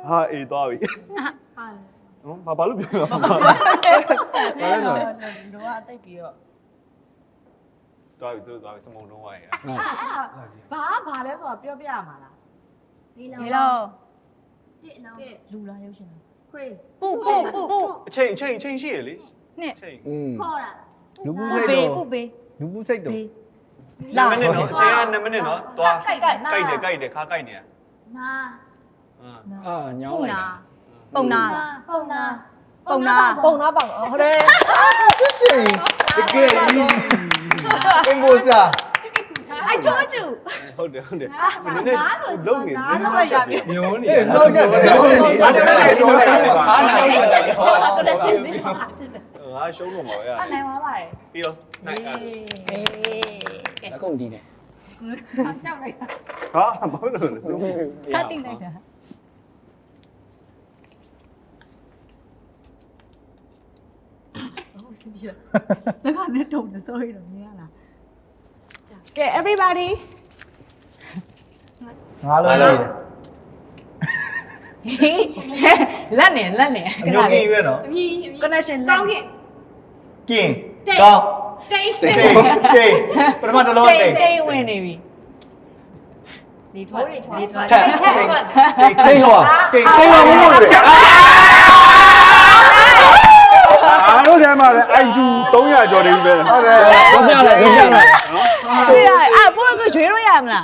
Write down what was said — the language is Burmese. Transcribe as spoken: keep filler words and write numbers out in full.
ဟာအေးသွားပြီဟုတ်ဘာဘာလို့ပြောလဲဘာလဲဆိုတော့အသိပြီးတော့သွားပြီသူသွားပြီစမုံလုံးဝရဘာဘာလဲဆိုတာပြောပြရမှာလားလေးလုံးတစ်လုံးလူလားရုပ်ရှင်လားခွေးပူပူပူအချိန်အချိန်အချိန်ရှိရလေနှစ်အချိန်อืมခေါ်တာလူပူပူစိတ်ပေးတော့ပူပေးလူပူစိတ်တော့ပေး 2မိနစ်နော်အချိန်က2မိနစ်နော်သွားကြိုက်တယ်ကြိုက်တယ်ကြိုက်တယ်ခါကြိုက်နေရနာအင်းအာညောင်းပုံလိုက်နာတာပုံနာပုံနာပုံနာပုံနာပေါင်ဟုတ်တယ်ကျရှင်တကယ်ကြီးအင်္ဂိုစာ I told you ဟုတ်တယ်ဟုတ်တယ်နည်းနည်းလုံးနေနည်းနည်းရပြီညုံနေအေးတော့ကြတယ်တော့နေတယ်တော့လိုက်တာခါနိုင်တယ်ဟုတ်တယ်စင်ပြီငါရှုံးတော့မှာရနိုင်သွားပါတယ်ပြီးတော့နိုင်အဲ့ကဲအခုဒီတယ်ကြောက်လိုက်တာဟာမဟုတ်လို့လေခါတင်လိုက်တာဟုတ်စီပြလက်ကနဲ့တုံနေ sorry တော့မြင်ရလားကဲ everybody ငါလုံးလိုက်တယ်လက်နေလက်နေအမျိုးကြီးပဲနော်အမြည်အမြည် connection ကောင်းခင်ကင်းကောင်းတိတ်တိတ်တိတ်ပထမတစ်လုံးတိတ်တိတ်ဝင်နေပြီဒီထွက်ဒီထွက်ထက်တိတ်ထိတ်လောတိတ်ထိတ်လောမလို့လေအားလုံးထဲမှာလည်း I Q 300ကျော်နေပြီပဲဟုတ်တယ်တော့ပြလိုက်တော့ပြလိုက်对呀，啊，不然个全都要么啦。